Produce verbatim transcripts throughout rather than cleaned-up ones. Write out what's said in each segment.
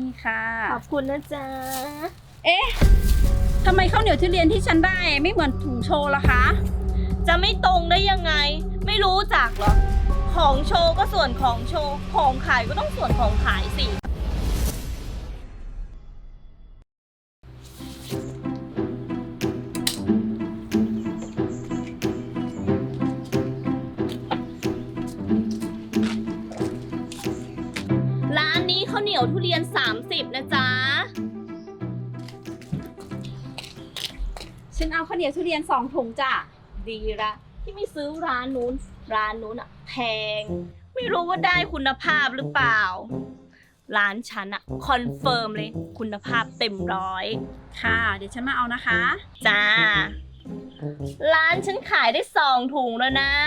นี่ค่ะขอบคุณนะจ๊ะเอ๊ะทำไมข้าวเหนียวทุเรียนที่ฉันได้ไม่เหมือนถุงโชว์ล่ะคะจะไม่ตรงได้ยังไงไม่รู้จักเหรอของโชว์ก็ส่วนของโชว์ของขายก็ต้องส่วนของขายสิร้านนี้ข้าวเหนียวทุเรียนสามสิบนะจ๊ะฉันเอาข้าวเหนียวทุเรียนสองถุงจ้ะดีละที่ไม่ซื้อร้านนู้นร้านนู้นอะแพงไม่รู้ว่าได้คุณภาพหรือเปล่าร้านฉันอะคอนเฟิร์มเลยคุณภาพเต็มร้อยค่ะเดี๋ยวฉันมาเอานะคะจ้าร้านฉันขายได้สองถุงแล้วนะ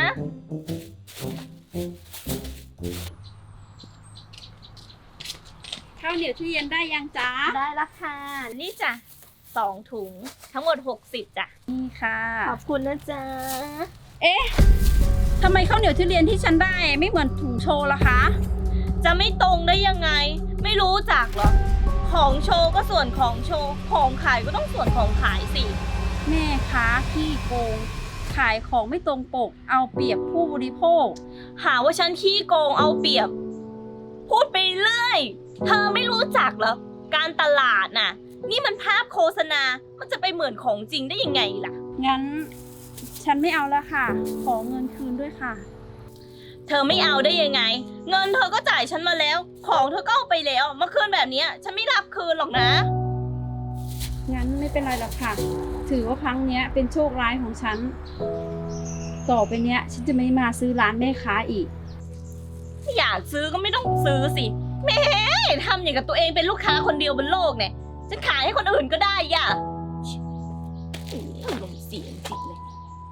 ข้าวเหนียวทุเรียนได้ยังจ๊ะได้ละค่ะนี่จ้ะสองถุงทั้งหมดหกสิบจ้ะนี่ค่ะขอบคุณนะจ๊ะเอ๊ะทำไมข้าวเหนียวทุเรียนที่ฉันได้ไม่เหมือนถุงโชว์ล่ะคะจะไม่ตรงได้ยังไงไม่รู้จักเหรอของโชว์ก็ส่วนของโชว์ของขายก็ต้องส่วนของขายสิแม่ค้าขี้โกงขายของไม่ตรงปกเอาเปรียบผู้บริโภคหาว่าฉันขี้โกงเอาเปรียบพูดไปเรื่อยเธอไม่รู้จักเหรอการตลาดน่ะนี่มันภาพโฆษณามันจะไปเหมือนของจริงได้ยังไงล่ะงั้นฉันไม่เอาแล้วค่ะขอเงินคืนด้วยค่ะเธอไม่เอาได้ยังไงเงินเธอก็จ่ายฉันมาแล้วของเธอก็เอาไปแล้วมาคืนแบบนี้ฉันไม่รับคืนหรอกนะงั้นไม่เป็นไรหรอกค่ะถือว่าครั้งนี้เป็นโชคร้ายของฉันต่อไปเนี้ยฉันจะไม่มาซื้อร้านแม่ค้าอีกอยากซื้อก็ไม่ต้องซื้อสิแม่ทำอย่างกับตัวเองเป็นลูกค้าคนเดียวบนโลกเนี่ยจะขายให้คนอื่นก็ได้ย่ะอารมณ์เสียจริงเลย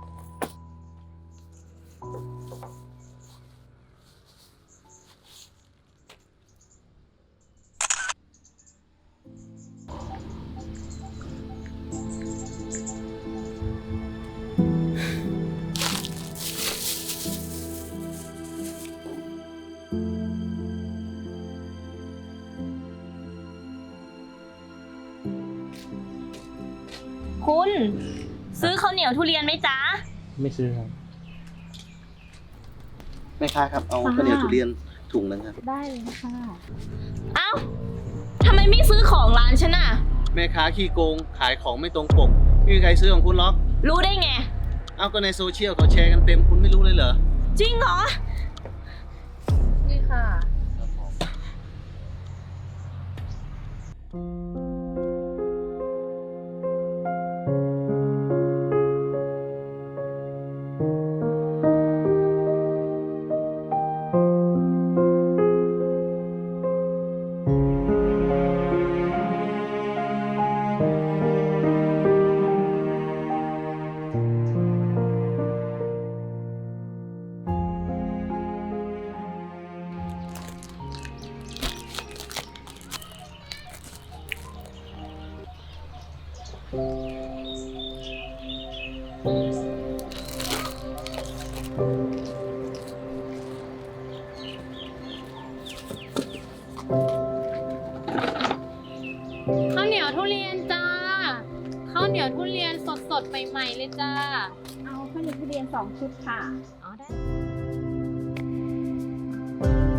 คุณซื้อข้าวเหนียวทุเรียนไหมจ๊ะไม่ซื้อครับแม่ค้าครับเอาข้าวเหนียวทุเรียนถุงนึงครับได้เลยค่ะเอ้าทำไมไม่ซื้อของร้านฉันน่ะแม่ค้าขี้โกงขายของไม่ตรงปกไม่มีใครซื้อของคุณหรอกรู้ได้ไงเอาก็ในโซเชียลเขาแชร์กันเต็มคุณไม่รู้เลยเหรอจริงเหรอนี่ค่ะข้าวเหนียวทุเรียนจ้าข้าวเหนียวทุเรียนสดๆใหม่ๆเลยจ้าเอาข้าวเหนียวทุเรียนสองชุดค่ะอ๋อได้